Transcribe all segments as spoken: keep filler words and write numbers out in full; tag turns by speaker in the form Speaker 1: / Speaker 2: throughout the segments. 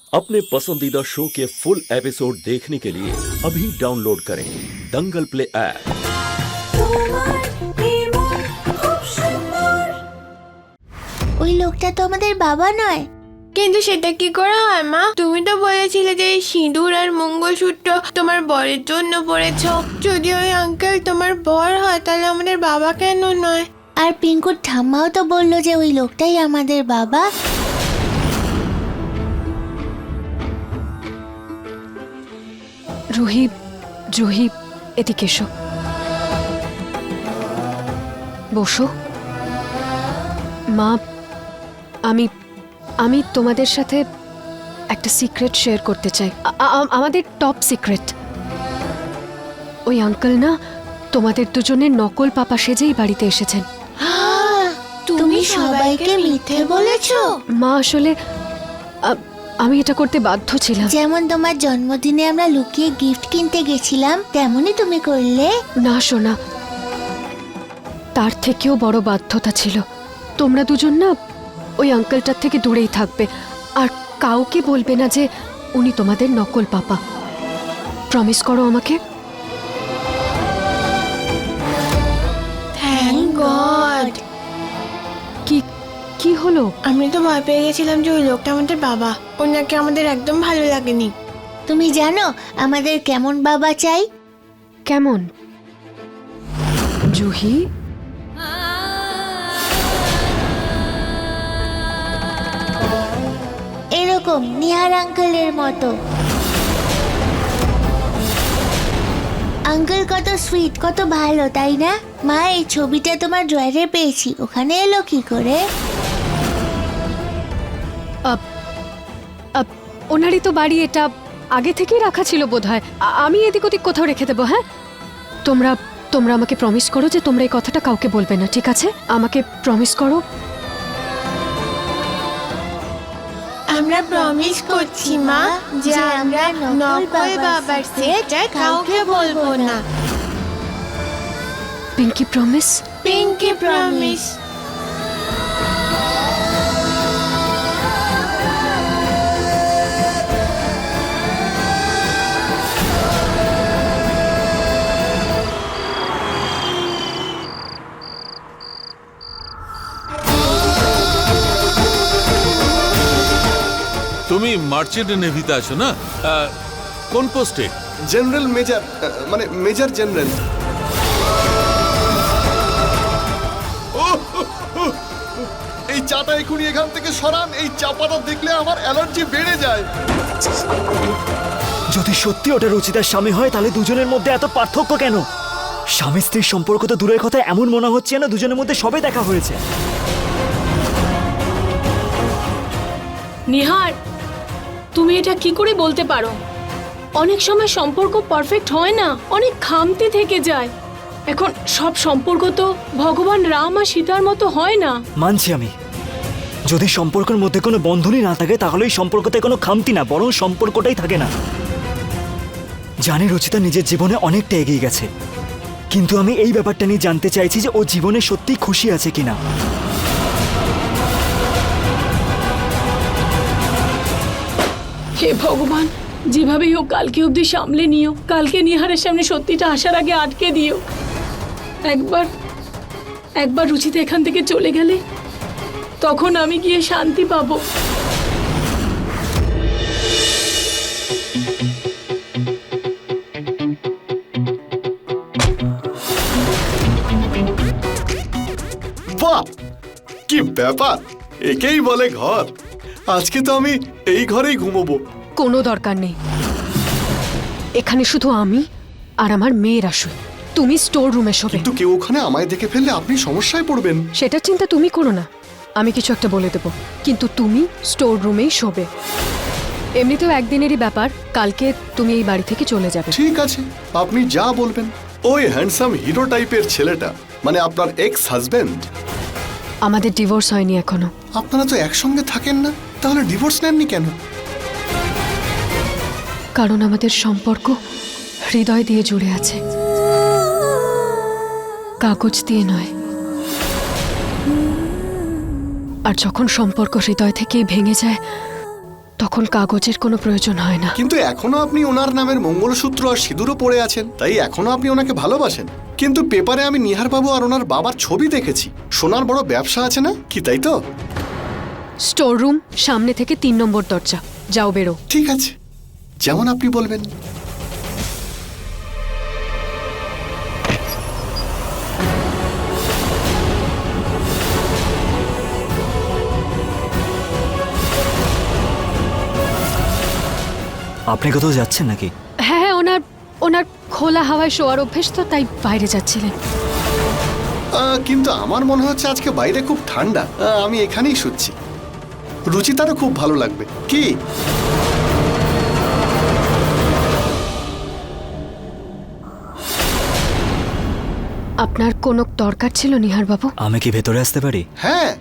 Speaker 1: अपने पसंदीदा शो के फुल एपिसोड देखने के लिए अभी डाउनलोड करें दंगल प्ले ऐप।
Speaker 2: ওই লোকটা তো আমাদের বাবা নয়।
Speaker 3: কিন্তু সেটা কি করে হয় মা? তুমি তো বলেছিলে যে এই সিঁদুর আর মঙ্গলসূত্র তোমার বরের জন্য পরেছো। যদি ওই আঙ্কেল তোমার বর হয় তাহলে আমাদের বাবা কেন নয়?
Speaker 2: আর পিঙ্কুর ঠাম্মাও তো বললো যে ওই লোকটাই আমাদের বাবা।
Speaker 4: রুহি, রুহি, এদিকে এসো, বসো। মা, আমি আমি তোমাদের সাথে একটা সিক্রেট শেয়ার করতে চাই, আ- আ- আমাদের টপ সিক্রেট। ওই আঙ্কেল না তোমাদের দুজনের নকল পাপা সেজেই বাড়িতে এসেছেন।
Speaker 2: তুমি সবাইকে মিথ্যে বলেছো?
Speaker 4: মা, আসলে আ- আমি এটা করতে বাধ্য ছিলাম।
Speaker 2: যেমন তোমার জন্মদিনে আমরা লুকিয়ে গিফট কিনতে গেছিলাম তেমনই তুমি করলে।
Speaker 4: না সোনা, তার থেকেও বড় বাধ্যতা ছিল। তোমরা দুজন না ওই আঙ্কেলটার থেকে দূরেই থাকবে, আর কাউকে বলবে না যে উনি তোমাদের নকল পাপা। প্রমিস করো আমাকে।
Speaker 3: Thank god.
Speaker 4: কি কি হলো?
Speaker 3: আমি তো ভয় পেয়ে গেছিলাম যে ওই লোকটা আমাদের বাবা। ওনাকে আমাদের একদম ভালো লাগেনি।
Speaker 2: তুমি জানো আমাদের কেমন বাবা চাই?
Speaker 4: কেমন? জুহি,
Speaker 2: এরকম নিহার আঙ্কেলের মতো। আঙ্কেল কত সুইট, কত ভালো, তাই না? মা, এই ছবিটা তোমার ড্রয়ারে পেয়েছি, ওখানে এলো কি করে?
Speaker 4: আপ, আপ, ওনারই তো বাড়ি, এটা আগে থেকেই রাখা ছিল বোধহয়। আ- আমি এদিক ওদিক কোথাও রেখে দেবো। হ্যাঁ, তোমরা তোমরা আমাকে প্রমিস করো যে তোমরা এই কথাটা কাউকে বলবে না, ঠিক আছে? আমাকে প্রমিস করো।
Speaker 3: আমরা প্রমিস করছি মা যে আমরা নকল বাবার সেটা কাউকে বলবো না।
Speaker 4: Pinky promise?
Speaker 3: Pinky promise.
Speaker 5: তুমি মার্চেন্ট নেভিতে আছো না? আহ, কোন পোস্টে?
Speaker 6: জেনারেল মেজর, মানে মেজর জেনারেল। এই চাটা এখনই এখান থেকে সরান। এই চা পাতা দেখলে আমার অ্যালার্জি বেড়ে যায়।
Speaker 7: যদি সত্যি ওটা রুচিতার স্বামী হয় তাহলে দুজনের মধ্যে এত পার্থক্য কেন? স্বামী স্ত্রীর সম্পর্ক তো দূরের কথা, এমন মনে হচ্ছে না দুজনের মধ্যে সবে দেখা হয়েছে।
Speaker 8: নিহার, তুমি এটা কি করে বলতে পারো? অনেক সময় সম্পর্ক পারফেক্ট হয় না, অনেক খামতি থেকে যায়। এখন সব সম্পর্ক তো ভগবান রাম আর সীতার মতো হয় না।
Speaker 7: মানছি আমি, যদি সম্পর্কের মধ্যে কোনো বন্ধনই না থাকে তাহলে এই সম্পর্কতে কোনো খামতি না, বরং সম্পর্কটাই থাকে না। জানি রুচিতা নিজের জীবনে অনেকটা এগিয়ে গেছে, কিন্তু আমি এই ব্যাপারটা নিয়ে জানতে চাইছি যে ও জীবনে সত্যি খুশি আছে কিনা।
Speaker 8: হে ভগবান, যেভাবেই হোক কালকে অবধি সামলে নিও। কালকে নিহারের সামনে সত্যিটা আসার আগে আটকে দিও। একবার একবার রুচিতে এখান থেকে চলে গেলে তখন আমি গিয়ে শান্তি পাবো।
Speaker 6: বাহ, কি ব্যাপার! একেই বলে ঘর। আজকে তো আমি এই ঘরেই ঘুমোবো।
Speaker 4: কোনো দরকার নেই, এখানে শুধু আমি আর আমার মেয়েরা শুই। তুমি স্টোর রুমে শোবে।
Speaker 6: কিন্তু কেউ ওখানে আমায় দেখে ফেললে আপনি সমস্যায় পড়বেন।
Speaker 4: সেটার চিন্তা তুমি করো না, আমি কিছু একটা বলে দেবো। কিন্তু তুমি স্টোর রুমেই শোবে। এমনিতেও একদিনেরই ব্যাপার, কালকে তুমি এই বাড়ি থেকে চলে যাবে।
Speaker 6: ঠিক আছে, আপনি যা বলবেন। ওই হ্যান্ডসাম হিরো টাইপের ছেলেটা, মানে আপনার এক্স হাজবেন্ড।
Speaker 4: আমাদের ডিভোর্স হয়নি এখনো।
Speaker 6: আপনারা তো একসঙ্গে থাকেন না, তাহলে ডিভোর্স নেননি কেন?
Speaker 4: কারণ আমাদের সম্পর্ক হৃদয় দিয়ে জুড়ে আছে, কাগজ দিয়ে নয়। আর যখন সম্পর্ক হৃদয় থেকেই ভেঙে যায় তখন কাগজের কোনো প্রয়োজন হয় না।
Speaker 6: কিন্তু এখনো আপনি ওনার নামের মঙ্গলসূত্র আর সিঁদুরও পরে আছেন, তাই এখনো আপনি ওনাকে ভালোবাসেন। কিন্তু পেপারে আমি নিহার বাবু আর ওনার বাবার ছবি দেখেছি। সোনার বড় ব্যবসা আছে না কি, তাই তো?
Speaker 4: স্টোর রুম, সামনে থেকে তিন নম্বর দরজা। যাও, বেরো।
Speaker 6: ঠিক আছে, যেমন আপনি বলবেন।
Speaker 7: আপনি কোথাও যাচ্ছেন নাকি?
Speaker 4: হ্যাঁ হ্যাঁ, ওনার ওনার খোলা হাওয়ায় শোয়ার অভ্যেস তো, তাই বাইরে যাচ্ছিলেন।
Speaker 6: আহ, কিন্তু আমার মনে হচ্ছে আজকে বাইরে খুব ঠান্ডা। আহ, আমি এখানেই শুচ্ছি। রুচিতারও খুব ভালো লাগবে কি?
Speaker 4: আপনার কোনো দরকার ছিল নিহার বাবু?
Speaker 7: আমি কি ভেতরে আসতে পারি?
Speaker 6: হ্যাঁ।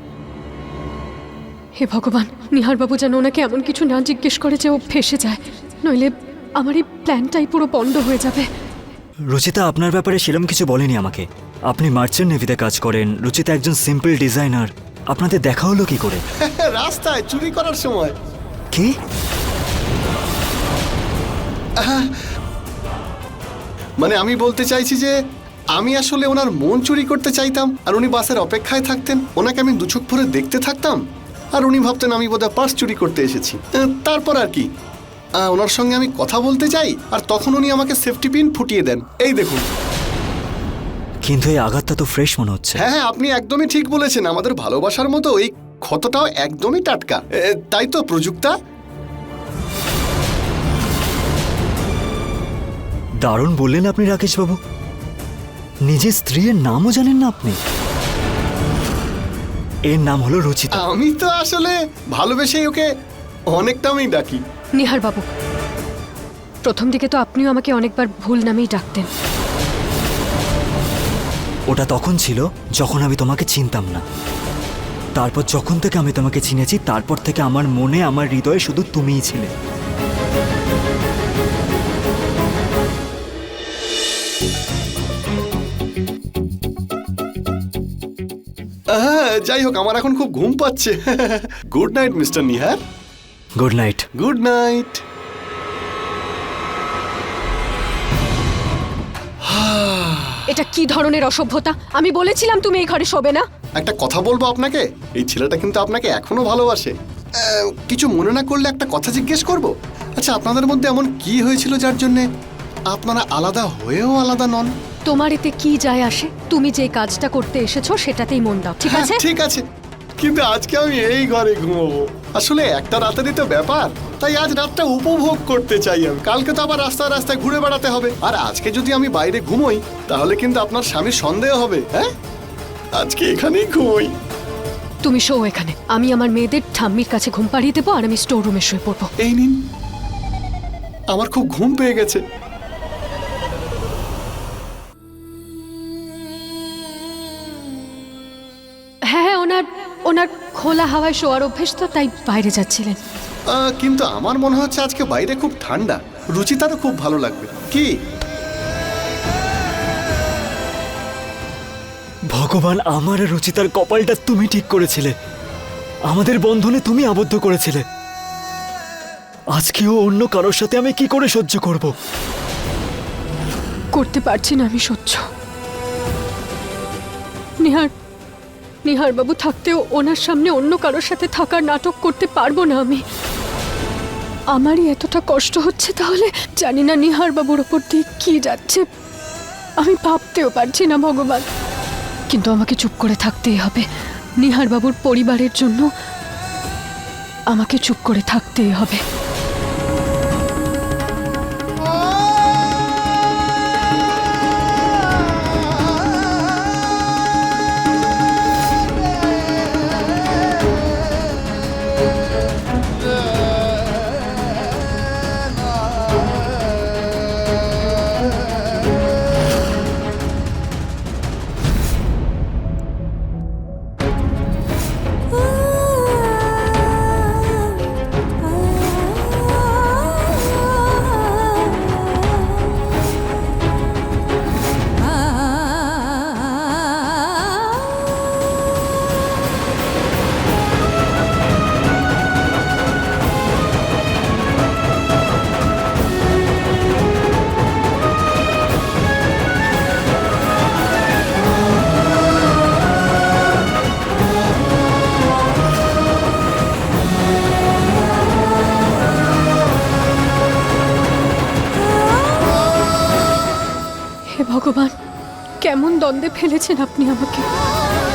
Speaker 4: হে ভগবান, নিহার বাবু যেন ওনাকে এমন কিছু না জিজ্ঞেস করে যে ও ফেসে যায়, নইলে আমার এই প্ল্যানটাই পুরো বন্ধ হয়ে যাবে।
Speaker 7: রুচিতা আপনার ব্যাপারে সেরকম কিছু বলেনি আমাকে। আপনি মার্চেন্ট নেভিতে কাজ করেন, রুচিতা একজন সিম্পল ডিজাইনার। আপনাদের দেখা হলো কি করে?
Speaker 6: রাস্তায় চুরি করার সময়।
Speaker 7: কি?
Speaker 6: মানে আমি বলতে চাইছি যে আমি আসলে ওনার মন চুরি করতে চাইতাম, আর উনি বাসের অপেক্ষায় থাকতেন। ওনাকে আমি দুচোখ ভরে দেখতে থাকতাম, আর উনি ভাবতেন আমি বোধহয় পার্স চুরি করতে এসেছি। আহ, তারপর আর কি, আহ, ওনার সঙ্গে আমি কথা বলতে চাই, আর তখন উনি আমাকে সেফটি পিন ফুটিয়ে দেন। এই দেখুন।
Speaker 7: কিন্তু এই আঘাতটা তো ফ্রেশ মনে হচ্ছে।
Speaker 6: হ্যাঁ হ্যাঁ, আপনি একদমই ঠিক বলেছেন। আমাদের ভালোবাসার মতো এই ক্ষতটাও একদমই টাটকা। এ, তাই তো প্রযুক্তা?
Speaker 7: দারুণ বললেন আপনি রাকেশ বাবু। নিজের স্ত্রীর নামও জানেন না আপনি? এর নাম হলো রুচিতা।
Speaker 6: আমি তো আসলে ভালোবেসেই ওকে অনেক নামেই ডাকি।
Speaker 4: নিহার বাবু, প্রথম দিকে তো আপনিও আমাকে অনেকবার ভুল নামেই ডাকতেন।
Speaker 7: ওটা তখন ছিল যখন আমি তোমাকে চিনতাম না। তারপর যখন থেকে আমি তোমাকে চিনেছি, তারপর থেকে আমার মনে, আমার হৃদয়ে শুধু তুমিই ছিলে।
Speaker 6: হ্যাঁ, যাই হোক, আমার এখন খুব ঘুম পাচ্ছে। Good night mister Nihar.
Speaker 7: Good night.
Speaker 6: Good night.
Speaker 4: এটা কি ধরনের অসভ্যতা? আমি বলেছিলাম তুমি এই ঘরে শোবে না।
Speaker 6: একটা কথা বলবো আপনাকে, এই ছেলেটা কিন্তু আপনাকে এখনো ভালোবাসে। আহ, কিছু মনে না করলে একটা কথা জিজ্ঞেস করব? আচ্ছা, আপনাদের মধ্যে এমন কি হয়েছিল যার জন্য আপনারা আলাদা হয়েও আলাদা নন?
Speaker 4: তোমার এতে কি যায় আসে? তুমি যে কাজটা করতে এসেছো সেটাতেই মন দাও, ঠিক
Speaker 6: হ্যাঁ,
Speaker 4: আছে?
Speaker 6: ঠিক আছে, কিন্তু আজকে আমি এই ঘরে ঘুমাবো। আসলে একটা রাতেরই তো ব্যাপার, তাই আজ রাতটা উপভোগ করতে চাই আমি। কালকে তো আবার রাস্তায় রাস্তায় ঘুরে বেড়াতে হবে, আর আজকে যদি আমি বাইরে ঘুমোই তাহলে কিন্তু আপনার স্বামীর সন্দেহ হবে। হ্যাঁ, আজকে এখানেই ঘুমোই।
Speaker 4: তুমি শো এখানে, আমি আমার মেয়েদের ঠাম্মির কাছে ঘুম পাড়িয়ে দেবো, আর আমি স্টোর রুমে শুয়ে পড়বো।
Speaker 6: এই নিন, আমার খুব ঘুম পেয়ে গেছে।
Speaker 4: হ্যাঁ হ্যাঁ, ওনার ওনার খোলা হাওয়ায় শোয়ার অভ্যেস তো, তাই বাইরে যাচ্ছিলেন।
Speaker 6: আহ, কিন্তু আমার মনে হচ্ছে আজকে বাইরে খুব ঠান্ডা। রুচিতারও খুব ভালো লাগবে কি?
Speaker 7: ভগবান, আমার আর রুচিতার কপালটা তুমি ঠিক করেছিলে। আমাদের বন্ধনে তুমি আবদ্ধ করেছিলে। আজকেও অন্য কারোর সাথে আমি কি করে সহ্য করব?
Speaker 4: করতে পারছি না আমি সহ্য। নিহার নিহার বাবু থাকতেও ওনার সামনে অন্য কারোর সাথে থাকার নাটক করতে পারবো না আমি। আমারই এতটা কষ্ট হচ্ছে, তাহলে জানি না নিহার বাবুর ওপর দিয়ে কি যাচ্ছে। আমি ভাবতেও পারছি না ভগবান, কিন্তু আমাকে চুপ করে থাকতেই হবে। নিহার বাবুর পরিবারের জন্য আমাকে চুপ করে থাকতেই হবে। ভগবান, কেমন দ্বন্দ্বে ফেলেছেন আপনি আমাকে।